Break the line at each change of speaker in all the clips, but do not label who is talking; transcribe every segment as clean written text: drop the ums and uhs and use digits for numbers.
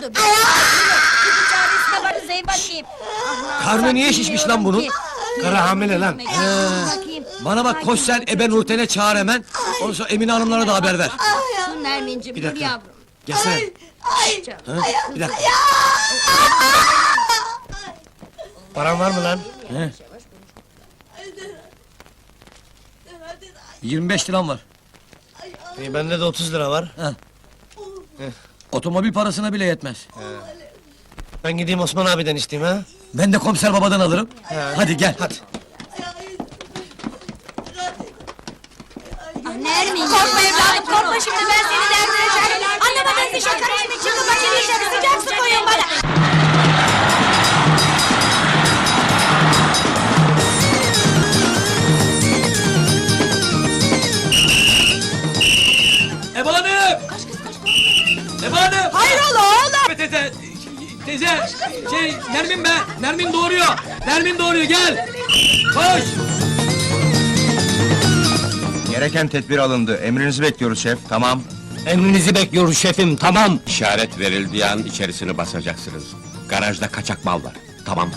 oldu? Bir çaresine varız ey bakayım.
Karnı niye şişmiş lan bunun?
Kara hamile lan.
Bakayım.
Bana bak, koş sen Ebe Nurten'e çağır hemen. Ondan sonra Emine Hanımlara da haber ver.
Dur Nermin'cim, dur yavrum.
Gelsene. Ha? Bir dakika.
Paran var mı lan?
He? 25 liram var.
Bende de 30 lira var.
Otomobil parasına bile yetmez.
Ben gideyim Osman abiden isteyeyim ha.
Ben de komiser babadan alırım. Hadi gel.
Hadi.
Nermin, korkma evladım, korkma şimdi ben seni derdine şahit. Anlamadığın bir şey karışma, çıkın bakayım dışarı, sıcak su koyun bana.
Ebe Hanım! Ebe Hanım!
Hayrola oğlum?
Teyze, Nermin be! Nermin doğuruyor! Nermin doğuruyor, gel! Koş!
Gereken tedbir alındı. Emrinizi bekliyoruz şef. Tamam.
Emrinizi bekliyoruz şefim, tamam.
İşaret verildiği an içerisini basacaksınız. Garajda kaçak mal var. Tamam.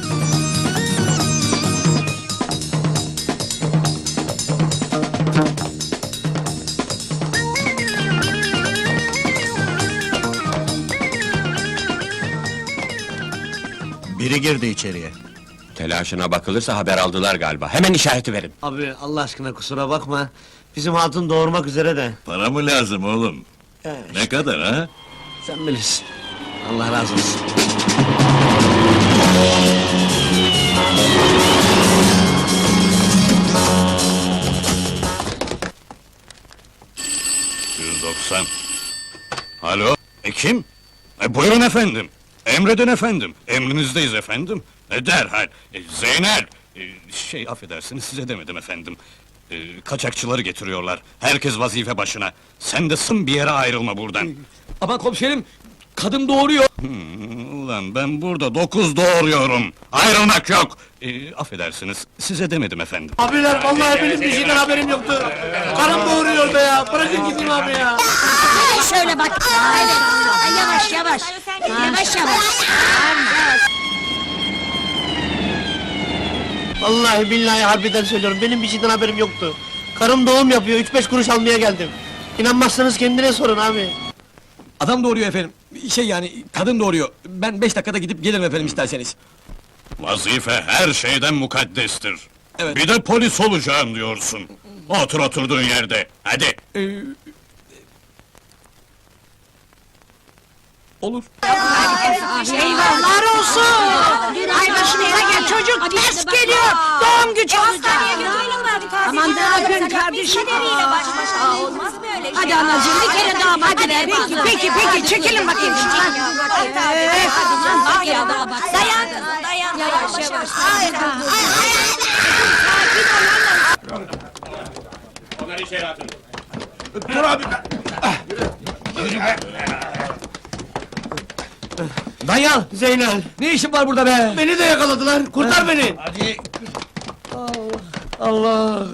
Biri girdi içeriye.
Telaşına bakılırsa haber aldılar galiba. Hemen işareti verin.
Abi Allah aşkına kusura bakma. Bizim hatun doğurmak üzere de.
Para mı lazım oğlum? Ne kadar ha?
Sen bilirsin. Allah razı olsun.
...190. Alo, kim? Buyurun efendim. Emredin efendim. Emrinizdeyiz efendim. Derhal. Zeynel. Affedersiniz, size demedim efendim. Kaçakçıları getiriyorlar. Herkes vazife başına. Sen de sın bir yere ayrılma buradan.
Aman komiserim, kadın doğuruyor.
Ulan ben burada 9 doğuruyorum. Ayrılmak yok. Affedersiniz, size demedim efendim.
Abiler vallahi benim bir şeyden haberim yoktu. Karım doğuruyor be ya. Bırakın gideyim abi ya.
Şöyle bak. Evet. Yavaş yavaş. Yavaş yavaş.
Vallahi billahi harbiden söylüyorum. Benim bir şeyden haberim yoktu. Karım doğum yapıyor. 3-5 kuruş almaya geldim. İnanmazsanız kendine sorun abi.
Adam doğuruyor efendim. Kadın doğuruyor. Ben 5 dakikada gidip gelirim efendim isterseniz.
Vazife her şeyden mukaddestir.
Evet.
Bir de polis olacağım diyorsun. Otur oturduğun yerde. Hadi.
Olur.
Eyvallah olsun. Ay başımıza gel çocuk ters geliyor. Doğum gücü olacak. Aman daha gün kardeşim. Olmaz böyle şey. Hadi anacığım bir kere daha hadi ver. Peki çekilin bakayım şuradan. Dayan kızım dayan. Yavaş yavaş.
Onları içeri atın.
Danyal!
Zeynel,
Ne işin var burada be?
beni de yakaladılar. Kurtar beni.
Hadi! Allah!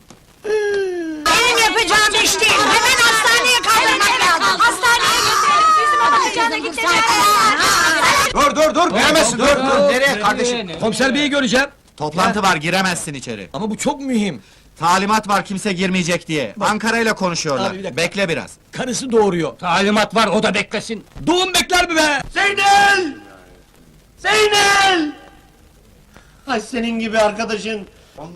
Benim yapacağım iş değil. Hemen hastaneye kaldırmak lazım. Hastaneye götürelim. Bizim bakacağına gideceğiz.
Dur! Giremezsin, dur! Nereye kardeşim?
Komiser beyi göreceğim.
Toplantı var, giremezsin içeri.
Ama bu çok mühim.
Talimat var, kimse girmeyecek diye. Ankara ile konuşuyorlar.
Abi, bir dakika.
Bekle biraz.
Karısı doğuruyor.
Talimat var, o da beklesin.
Doğum bekler mi be?
Zeynel! Zeynel! Ay senin gibi arkadaşın.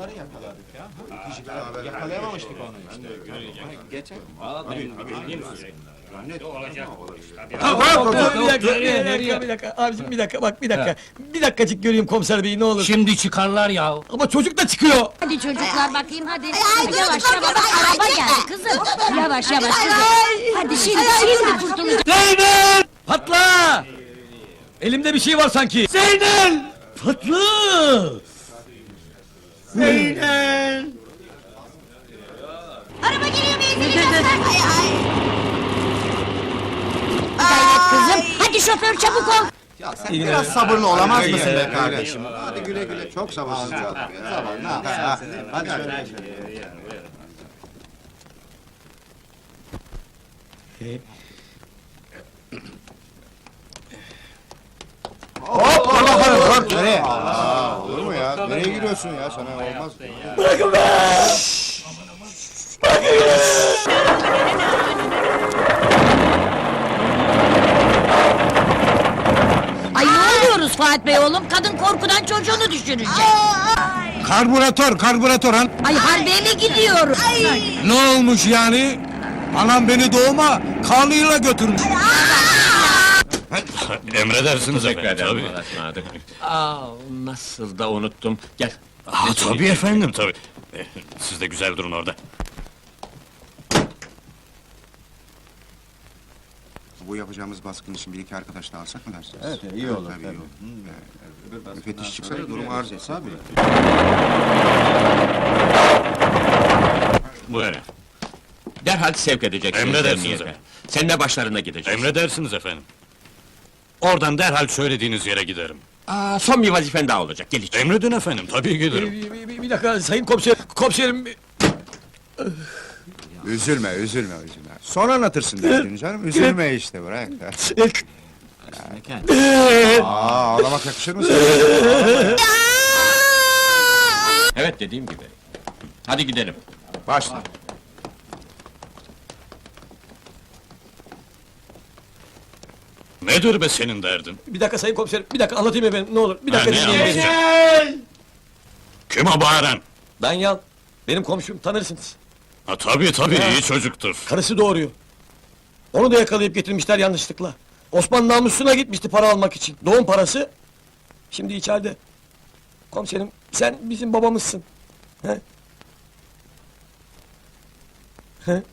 Bir dakika, abicim bir dakika, bak bir dakika. Bir dakikacık göreyim komiser beyi ne olur.
Şimdi çıkarlar ya.
Ama çocuk da çıkıyor.
Hadi çocuklar bakayım hadi. Yavaş yavaş araba geldi kızım. Yavaş yavaş kızım. Hadi şimdi kurtulacağız.
Zeynel!
Patla! Elimde bir şey var sanki.
Zeynel!
Patla!
Zeynel!
Araba geliyor benzin. Gayret kızım. Hadi şoför çabuk ol.
Ya sen biraz sabırlı olamaz mısın be kardeşim? Hadi güle güle, çok sabırsız bir adam ya. Hadi şöyle. Hop dur bakalım dur. Nereye? Olur mu ya? Nereye giriyorsun ya? Sana olmaz.
Ay ne oluyoruz Fuat Bey oğlum? Kadın korkudan çocuğunu düşürecek.
Karbüratör han.
Ay harbiye mi gidiyoruz?
Ne olmuş yani? Anam beni doğuma karnıyla götürmüş.
Emredersiniz
Teşekkür
efendim,
ederim.
tabii.
Ismarladık. Aa, nasıl da unuttum. Gel.
Tabii efendim, tabii. Siz de güzel durun orada.
Bu yapacağımız baskın için bir iki arkadaş da alsak mı dersiniz? Evet, iyi olur. Tabii, iyi olur. Müfettiş çıksa da durum arz etse abi.
Buyurun.
Derhal sevk edeceksiniz
Emredersiniz
emniyete.
efendim.
Seninle başlarına gideceğiz.
Emredersiniz efendim. Oradan derhal söylediğiniz yere giderim.
Aa, son bir vazifen daha olacak. Gel içeri.
Emredin efendim, tabii giderim.
Bir dakika sayın komiserim.
Üzülme. Sonra anlatırsın derdini canım. Üzülme işte, bırak. Ağlamak yakışır mı sana?
Evet, dediğim gibi. Hadi gidelim.
Başla.
Nedir be senin derdin?
Bir dakika sayın komiserim, bir dakika anlatayım efendim, ne olur. Bir dakika
Ne
dinleyin beni.
anlatacaksın? Kim o bağıran?
Danyal, benim komşum, tanırsınız.
Ha, tabii, iyi çocuktur.
Karısı doğuruyor. Onu da yakalayıp getirmişler yanlışlıkla. Osman namusuna gitmişti para almak için. Doğum parası. Şimdi içeride. Komiserim, sen bizim babamızsın. He? He?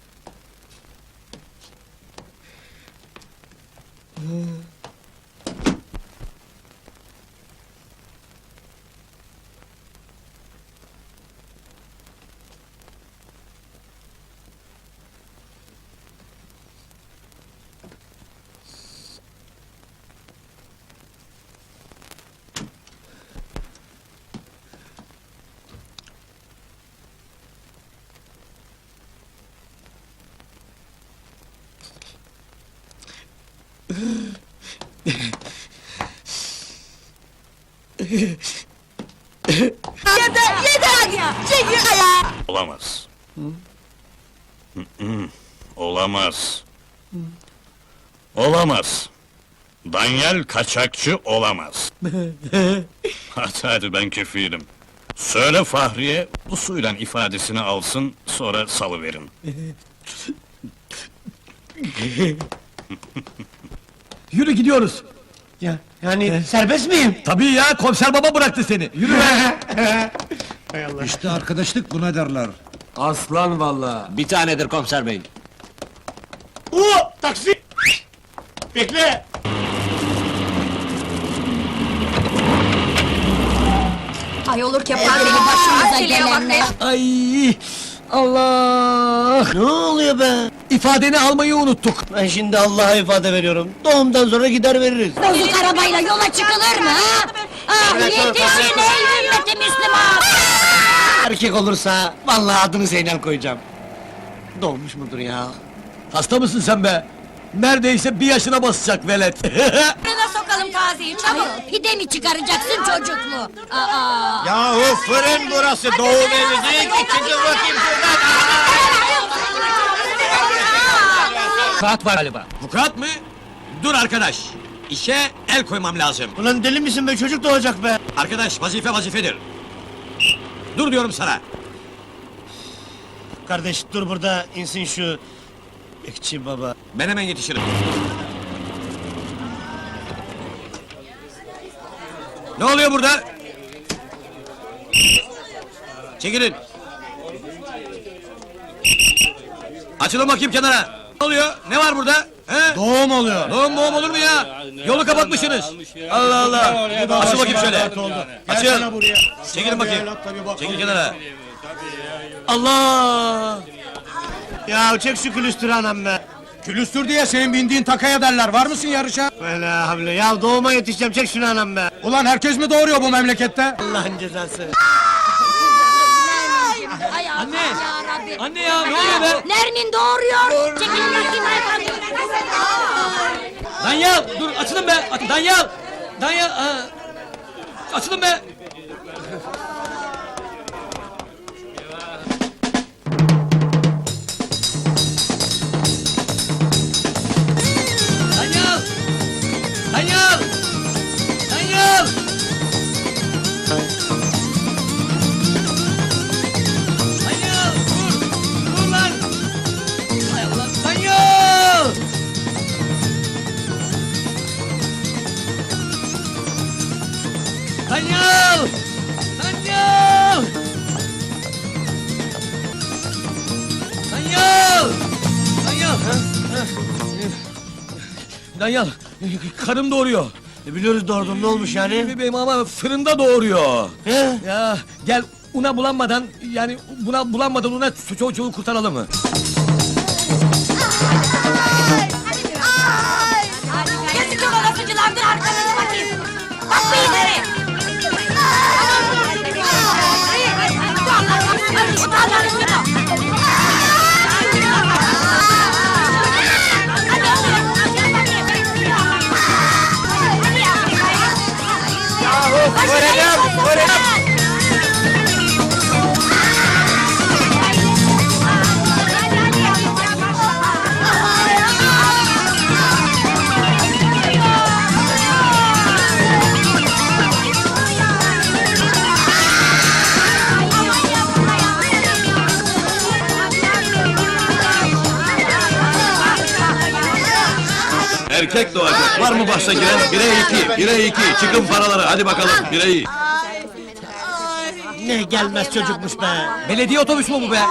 Olamaz. Olamaz. Olamaz. Danyal kaçakçı olamaz. Hadi ben kefilim. Söyle Fahriye, bu suyla ifadesini alsın, sonra salıverin.
Yürü gidiyoruz.
Yani serbest miyim?
Tabii ya, komiser baba bıraktı seni. Yürü be.
İşte arkadaşlık buna derler.
Aslan vallahi.
Bir tanedir komiser bey.
Taksi! Bekle!
Ay olur ki başımıza gelenler.
Ay! Allah!
Ne oluyor be?
İfadeni almayı unuttuk.
Ben şimdi Allah'a ifade veriyorum. Doğumdan sonra gider veririz.
Bozuk arabayla yola çıkılır mı ha? Ah yetişin ey ümmeti Müslüman!
Erkek olursa vallahi adını Zeynel koyacağım. Doğmuş mudur ya?
Hasta mısın sen be? Neredeyse 1 yaşına basacak velet.
Fırına sokalım Kazi'yi çabuk! Pide mi çıkaracaksın çocuklu? Aa!
Yahu fırın burası, doğum evi değil ki, çıkın bakayım şuradan!
Saat var galiba.
Vukuat mı? Dur arkadaş! İşe el koymam lazım.
Ulan deli misin be, çocuk doğacak be!
Arkadaş, vazife vazifedir. Dur diyorum sana!
Kardeş dur burada, insin şu... Bekçi baba.
Ben hemen yetişirim. Ne oluyor burada? Çekilin! Açılın bakayım kenara! Ne oluyor? Ne var burada? He?
Doğum oluyor.
Doğum olur mu ya? Yolu kapatmışsınız! Allah Allah! Açıl bakayım şöyle! Açıl! Çekilin bakayım! Çekil kenara!
Allah! Ya çek şu külüstürü anam be!
Külüstür diye senin bindiğin takaya derler. Var mısın yarışa?
Vela havle, ya doğuma yetişeceğim, çek şunu anam be!
Ulan herkes mi doğuruyor bu memlekette?
Allah'ın cezası!
Ay
Anne!
yarabbim!
Anne ya, ne oluyor be?
Nermin doğuruyor! Çekilin bakayım hayvan!
Danyal! Dur, açılın be! Danyal! Danyal! Açılın be! Danyal! Danyal! Danyal! Danyal! Dur! Dur lan! Hay Allah! Danyal! Danyal! Danyal! Danyal! Danyal! Danyal, karım doğuruyor.
Biliyoruz doğurdun, ne olmuş yani?
Benim ama fırında doğuruyor.
He?
Ya gel una bulanmadan, yani buna bulanmadan una çocuğu kurtaralım mı?
Yazık olan suculardır arkanızı bakayım. Bak bu ileri.
Erkek doğacak. Var mı bahse giren? 1'e 2, 1'e 2. Çıkın paraları. Hadi bakalım. 1'e 2.
Ne gelmez çocukmuş be!
Belediye otobüsü mü bu be?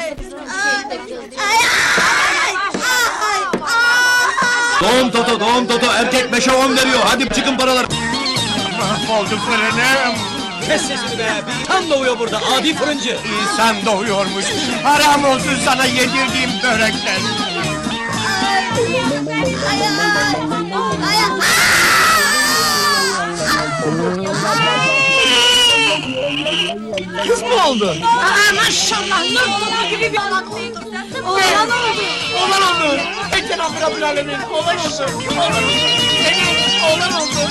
Doğum toto. Erkek 5'e 10 veriyor. Hadi çıkın paraları.
Mahvoldu fırınım.
Kes sesini be! Tam doğuyor burada, adi fırıncı!
İnsan doğuyormuş. Haram olsun sana yedirdiğim börekler.
Kız mı oldu?
Aa maşallah nur topu gibi bir oğlan oldu. Oğlan oldu.
Oğlan oldu! Ey Cenab-ı Rabbül Alemin! Oğlan oldu! Oğlan oldu! Benim oğlan oldu!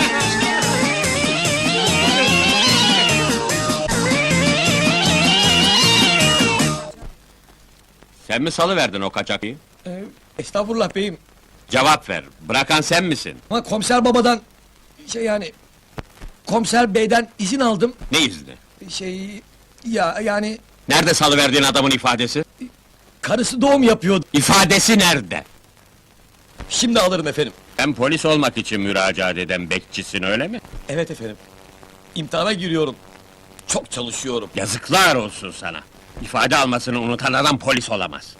Sen mi salıverdin o kaçakıyı?
Estağfurullah beyim.
Cevap ver, bırakan sen misin?
Ama komiser babadan, yani... Komiser beyden izin aldım.
Ne izni?
Yani...
Nerede salıverdiğin adamın ifadesi?
Karısı doğum yapıyordu.
İfadesi nerede?
Şimdi alırım efendim.
Sen polis olmak için müracaat eden bekçisin, öyle mi?
Evet efendim. İmtihana giriyorum. Çok çalışıyorum.
Yazıklar olsun sana! İfade almasını unutan adam polis olamaz.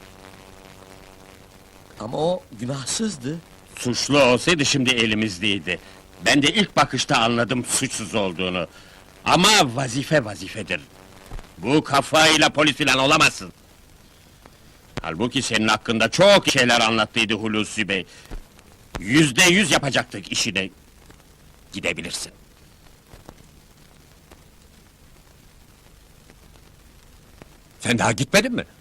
Ama o günahsızdı.
Suçlu olsaydı şimdi elimizdeydi. Ben de ilk bakışta anladım suçsuz olduğunu. Ama vazife vazifedir. Bu kafayla polis filan olamazsın. Halbuki senin hakkında çok şeyler anlattıydı Hulusi Bey. %100 yapacaktık işini. Gidebilirsin. Sen daha gitmedin mi?